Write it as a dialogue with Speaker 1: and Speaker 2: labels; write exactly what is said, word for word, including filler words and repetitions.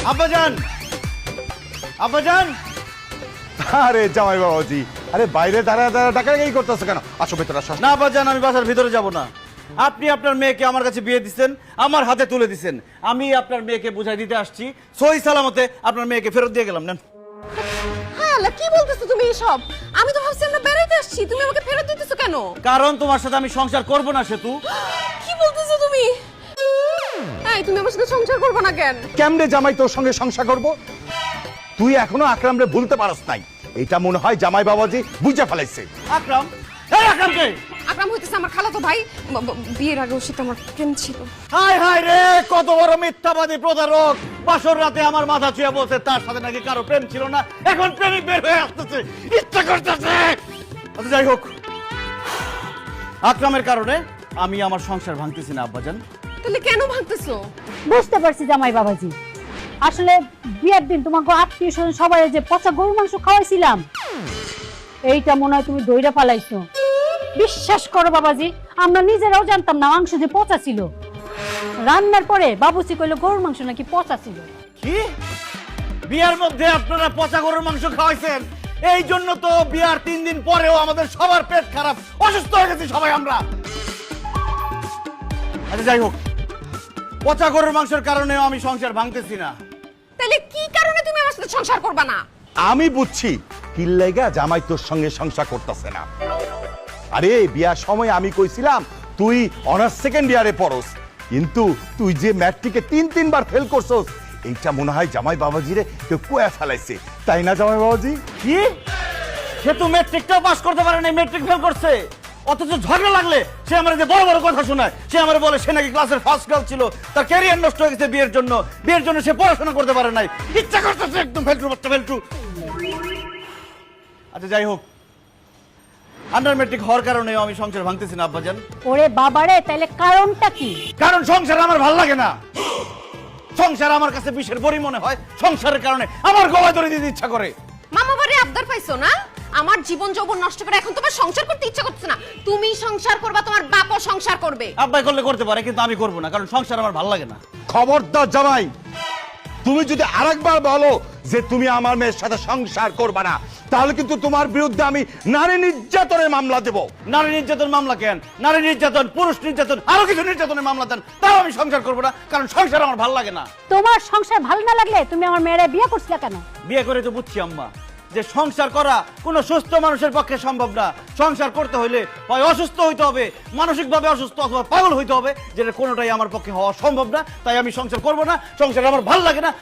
Speaker 1: আব্বাজান, আব্বাজান।
Speaker 2: আরে জামাই বাবাজি, আরে বাইরে দাঁড়া দাঁড়া ডাকাডাকি করতেছ কেন? আসো ভেতরে আসো।
Speaker 1: না আব্বাজান, আমি বাসার ভিতরে যাব না। আপনি আপনার মেয়েকে আমার কাছে বিয়ে দিচ্ছেন, আমার হাতে তুলে দিচ্ছেন। আমি আপনার মেয়েকে বুঝাই দিতে আসছি, সহি সালামতে আপনার মেয়েকে ফেরত দিয়ে গেলাম। নেন।
Speaker 3: হ্যাঁ আল্লাহ, কি বলতেছো তুমি এসব? আমি তো ভাবছি আমরা বেড়াইতে আসছি, তুমি আমাকে ফেরত দিতেছো কেন?
Speaker 1: কারণ তোমার সাথে আমি সংসার করব না সেতু।
Speaker 3: কি বলতেছো তুমি? এই তুমি আমার সাথে সংসার করবে না কেন?
Speaker 2: কেমনে জামাই তোর সঙ্গে সংসার করব? তুই এখনো আকরামরে ভুলতে পারস নাই। এটা মনে হয় জামাই বাবাজি বুঝে ফেলাইছে।
Speaker 1: আকরাম, এই আকরামকে।
Speaker 3: আকরাম হইতেছে আমার খালাতো ভাই, ব- ব- বিয়ের আগে ওর সাথে আমার প্রেম ছিল।
Speaker 1: হায় হায় রে, কত বড় মিথ্যাবাদী প্রতারক! বাসর রাতে আমার মাথা ছুঁয়ে বলছে তার সাথে নাকি কারো প্রেম ছিল না, এখন প্রেমিক বের হয়ে আসতেছে, ইচ্ছা করতেছে। আচ্ছা যাই হোক, আকরামের কারণে আমি আমার সংসার ভাঙতেছি না আব্বাজান।
Speaker 3: তাহলে কেন ভাঙতেছো?
Speaker 4: বুঝতে পারছি জামাই বাবাজি, আসলে বিয়ের দিন তোমাকে আত্মীয় স্বজন সবাই যে পচা গরু মাংস খাওয়াইছিলাম, এইটা মনে হয় তুমি দইরা ফালাইছো। বিশ্বাস করো বাবাজি, আমরা নিজেরাও জানতাম না মাংস যে পচা ছিল। রান্নার পরে বাবুসি কইলো গরুর মাংস নাকি পচা ছিল।
Speaker 1: কি বিয়ার মধ্যে আপনারা পচা গরুর মাংস খাওয়াইছেন? এই জন্য তো বিয়ার তিন দিন পরেও আমাদের সবার পেট খারাপ, অসুস্থ হয়ে গেছি সবাই আমরা। আচ্ছা যাই হোক, পচা গরুর মাংসের কারণেও আমি সংসার ভাঙতেছি না।
Speaker 3: তাহলে কি কারণে তুমি আমার সাথে সংসার করবে না?
Speaker 2: আমি বুঝছি কি লাইগা জামাই তোর সঙ্গে সংসার করতেছে না। আরে বিয়ার সময় আমি কইছিলাম তুই অনার্স সেকেন্ড ইয়ারে পড়স, কিন্তু তুই যে ম্যাট্রিকে তিন তিনবার ফেল করছস, এইটা মনে হয় জামাই বাবাজিরে কেউ কুয়া ফেলাইছে, তাই না জামাই বাবাজি?
Speaker 1: কি সে তো ম্যাট্রিকটাও পাস করতে পারে না, ম্যাট্রিক ফেল করছে, অথচ ঝগড়া লাগলে সে আমার যে বড় বড় কথা শোনায়। সে আমার বলে সে নাকি ক্লাসের ফার্স্ট গার্ল ছিল, তার ক্যারিয়ার নষ্ট হয়ে গেছে বিয়ের জন্য, বিয়ের জন্য সে পড়াশোনা করতে পারে নাই, ইচ্ছা করতেছে একদম ফেলটু বাচ্চা ফেলটু। আচ্ছা যাই হোক, আন্ডার ম্যাট্রিক হওয়ার কারণেও আমি সংসার ভাঙতেছি না আব্বাজান।
Speaker 4: ওরে বাবারে, তাইলে কারণটা কি?
Speaker 1: কারণ সংসার আমার ভাল লাগে না। সংসার আমার কাছে বিষের বড়ি মনে হয়, সংসারের কারণে আমার গলায় দড়ি দিতে ইচ্ছা করে।
Speaker 3: মামা বাড়ি আবদার পাইছো না? আমার জীবন যৌবন নষ্ট করে এখন তোমার সংসার করতে ইচ্ছা করছে না। তুমি সংসার করবা, তোমার বাপও সংসার করবে।
Speaker 1: আব্বাই করলে করতে পারে, কিন্তু আমি করবো না, কারণ সংসার আমার ভাল লাগে না।
Speaker 2: খবরদার জামাই, তুমি যদি আরেকবার বলো যে তুমি আমার মেয়ের সাথে সংসার করবে না, তাহলে কিন্তু তোমার বিরুদ্ধে আমি নারী নির্যাতনের মামলা দেব।
Speaker 1: নারী নির্যাতন মামলা কেন? নারী নির্যাতন, পুরুষ নির্যাতন, আরো কিছু নির্যাতনের মামলা দেন, তাও আমি সংসার করবো না, কারণ সংসার আমার ভাল লাগে না।
Speaker 4: তোমার সংসার ভালো না লাগলে তুমি আমার মেয়েরে বিয়ে করছিলা কেন?
Speaker 1: বিয়ে করে তো বুঝছি আম্মা যে সংসার করা কোনো সুস্থ মানুষের পক্ষে সম্ভব না। সংসার করতে হইলে হয় অসুস্থ হইতে হবে, মানসিকভাবে অসুস্থ, অথবা পাগল হইতে হবে, যেটা কোনোটাই আমার পক্ষে হওয়া সম্ভব না। তাই আমি সংসার করবো না, সংসার আমার ভাল লাগে না।